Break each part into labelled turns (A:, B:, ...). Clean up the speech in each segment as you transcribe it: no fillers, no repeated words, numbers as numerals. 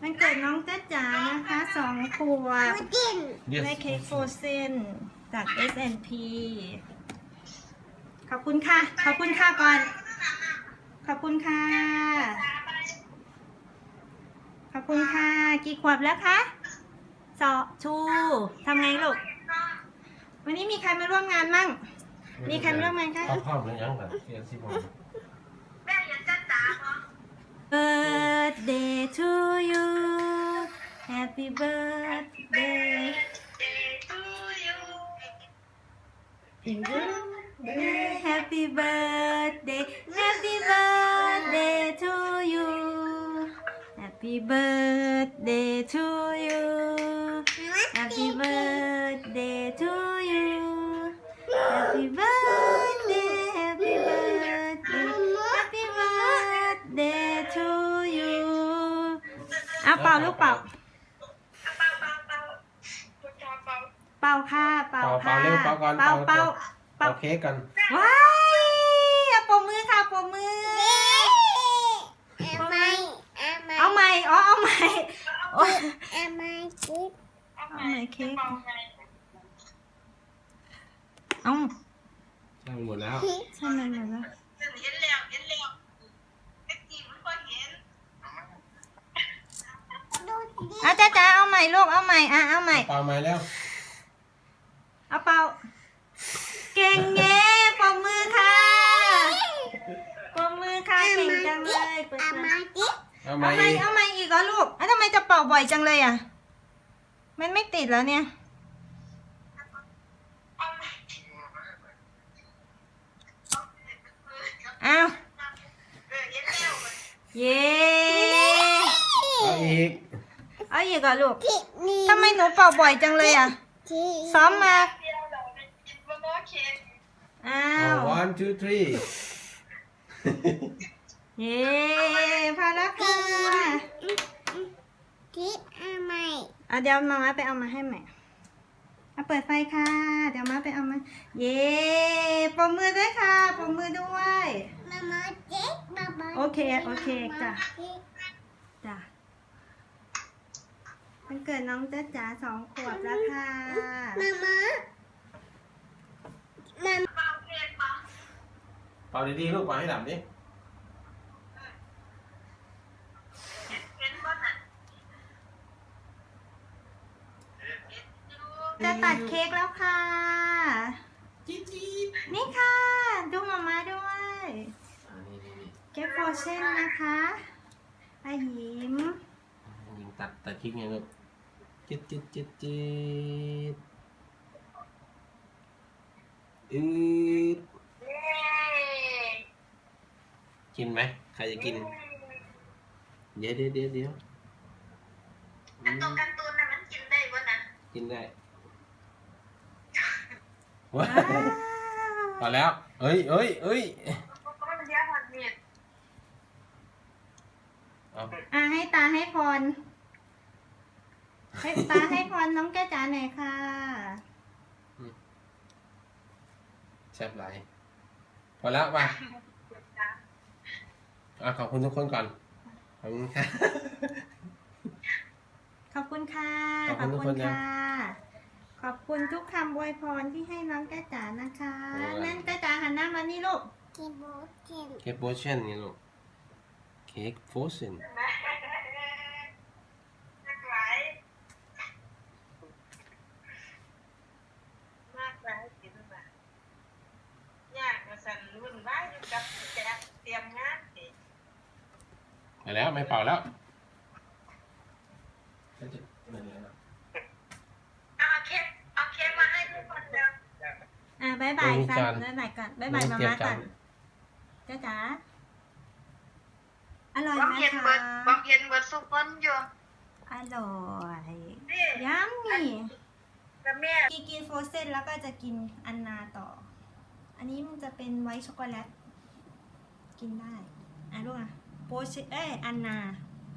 A: มันเกิดน้องจ๊ะจ๋านะคะ2 ขวบได้เค้กโฟรเซนจาก S&P ขอบคุณค่ะขอบคุณค่ะก่อนขอบคุณค่ะขอบคุณค่ะกี่ขวบแล้วคะชูทำไงลูกวันนี้มีใครมาร่วมงานมั่งมีใครมาร่วมงานคะ
B: พ่อเหมือนยังแบบเรียนสิบโมง
A: แม่ยังจ๊ะจ๋าเหรอ Birthday to you Happy birthday to you Happy birthday Happy birthday to you Happy birthday to you Happy birthday to you Happy birthday Happy birthday Happy birthday to you อ่ะเป่าลูกเป่าเป่าค่ะเป่าค่ะ
B: เร็วเป่าก่อนเป่าเค้กกัน
A: ว้ายอ่ะปมมือค่ะปมมือเอาใหม่อ๋อเอาใหม่เอาใหม่เค้กเอา
B: ใช่หมดแล้ว
A: ใช่มันหมดแล้วเอาจ้าเอาใหม่ลูกเอาใหม่อ่ะเอาใหม่
B: เป่าใหม่แล้ว
A: เอาเป่าเก่งเย้ปมมือค่ะปมมือค่ะเก่งจังเลยเปิดเอาใหม่อีกเหรอลูกทำไมจะเป่าบ่อยจังเลยอ่ะมันไม่ติดแล้วเนี่ยเอาเย้
B: เอาอีก
A: เหรอลูกทำไมหนูเป่าบ่อยจังเลยอ่ะซ้อมมาอ้าว
B: one two three
A: เย้พอแล้วค่ะเดี๋ยวมาม่าไปเอามาให้ใหม่เปิดไฟค่ะเดี๋ยวมาไปเอามาเย้ปมมือด้วยค่ะปมมือด้วยโอเคจ้ะมันเกิดน้องจ๊ะจ๋า2 ขวบแล้วค่ะ
B: เป่าดีๆลูกเป่าให้ดับดิ
A: จะตัดเค้กแล้วค่ะนี่ค่ะดูมาม่าด้วยเค้กโฟรเซนนะคะอายิ้ม
B: ยิงตัดเค้กไงลูกจิ๊ดกินไหมใครจะกินเดี๋ยว
A: การ์ตูนน่ะมันกินได้ป่ะนะ
B: กินได้ว้าพอแล้วเอ้ย
A: ให้ตาให้พรให้พรน้องแก้จ๋าหน่อยค่ะ
B: แซ่บไหลพอแล้วมาขอบคุณทุกคนก่อนขอบคุณค่ะ
A: ขอบคุณค่ะขอบคุณทุกคำอวยพรที่ให้น้องแก้จ๋านะคะนั่นแก้จ๋าหันหน้ามานี่ลูก
B: เค้กโบเชนนี่ลูกเค้กโฟรเซนไปแล้วไม่เป่าแล้ว
A: เอาเค้กมาให้ทุกคนเร็วบ๊ายบายก่อนบ๊ายบายมาม่าก่อนจ้าจ๋าอร่อยไหมคะ
C: บางเย็นเบิดซุปเปิ้ลอยู่
A: อร่อยยัมมี่กินโฟรเซนแล้วก็จะกินอันนาต่ออันนี้มันจะเป็นไวท์ช็อกโกแลตกินได้ลูกโปเชอันนา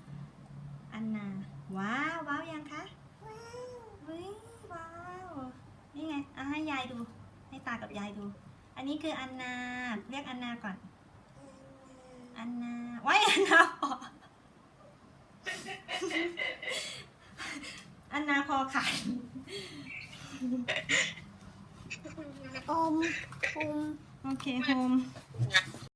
A: ว้าวยังคะว้าวนี่ไงให้ยายดูให้ตากับยายดูอันนี้คืออันนาเรียกอันนาก่อนอันนาไว้อันนาอันนาคอขาด
D: อม
A: โอเคโฮม